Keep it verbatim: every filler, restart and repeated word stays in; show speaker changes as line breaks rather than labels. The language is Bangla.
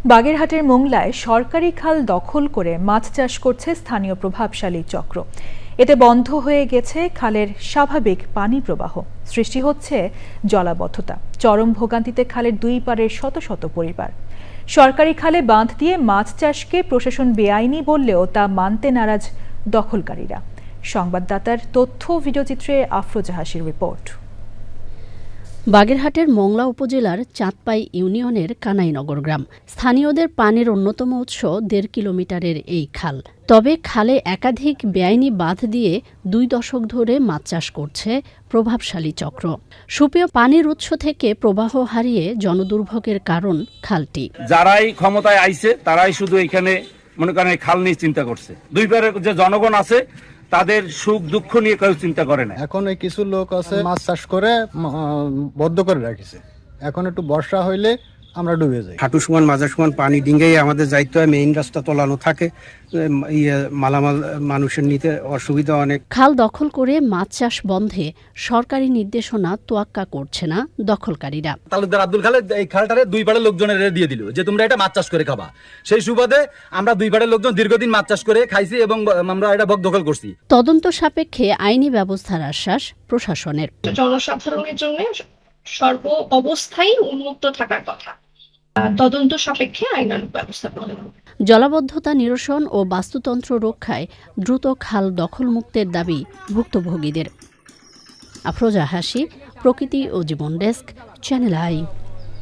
বাগেরহাটের মোংলায় সরকারি খাল দখল করে মাছ চাষ করছে স্থানীয় প্রভাবশালী চক্র। এতে বন্ধ হয়ে গেছে খালের স্বাভাবিক পানি প্রবাহ, সৃষ্টি হচ্ছে জলাবদ্ধতা। চরম ভোগান্তিতে খালের দুই পাড়ের শত শত পরিবার। সরকারি খালে বাঁধ দিয়ে মাছ চাষকে প্রশাসন বেআইনি বললেও তা মানতে নারাজ দখলকারীরা। সংবাদদাতার তথ্য ভিডিওচিত্রে আফরোজা হাসির রিপোর্ট।
বাগেরহাটের মোংলা উপজেলার চাঁদপাই ইউনিয়নের কানাইনগর গ্রাম। স্থানীয়দের পানির অন্যতম উৎস দেড় কিলোমিটারের এই খাল। তবে খালে একাধিক বেআইনি বাঁধ দিয়ে দুই দশক ধরে মাছ চাষ করছে প্রভাবশালী চক্র। সুপেয় পানির উৎস থেকে প্রবাহ হারিয়ে জনদুর্ভোগের কারণ খালটি।
যারাই ক্ষমতায় আইছে তারাই শুধু এখানে মনে করেন খাল নিয়ে চিন্তা করছে। দুই পারের যে জনগণ আছে তাদের সুখ দুঃখ নিয়ে কেউ চিন্তা করে না।
এখন ওই কিছু লোক আছে মাছ চাষ করে বদ্ধ করে রাখিছে। এখন একটু বর্ষা হইলে আমরা ডুবে যাই।
হাঁটু সমান মাজার সমান পানি ডিঙ্গেই আমাদের যাইতে হয়। মেইন রাস্তা তোলানো থাকে, মালামাল মানুষের নিতে অসুবিধা অনেক।
খাল দখল করে মাছ চাষ বন্ধে সরকারি নির্দেশনা তোয়াক্কা করছে না দখলকারীরা।
তালুকদার আব্দুল খালেদ এই খালটারে দুই পাড়ের লোকজনের দিয়ে দিল যে তোমরা এটা মাছ চাষ করে খাবা। সেই সুবাদে আমরা দুই পাড়ের লোকজন দীর্ঘদিন মাছ চাষ করে খাইছি এবং আমরা এটা বক দখল করছি।
তদন্ত সাপেক্ষে আইনি ব্যবস্থার আশ্বাস প্রশাসনের।
জনসাধারণের জন্য সর্ব অবস্থায় উন্মুক্ত থাকার কথা। তদন্ত সাপেক্ষে আইনানুগ ব্যবস্থা গ্রহণ।
জলাবদ্ধতা নিরসন ও বাস্তুতন্ত্র রক্ষায় দ্রুত খাল দখল মুক্তের দাবি ভুক্তভোগীদের। আফরোজা হাসি, প্রকৃতি ও জীবন ডেস্ক, চ্যানেল আই।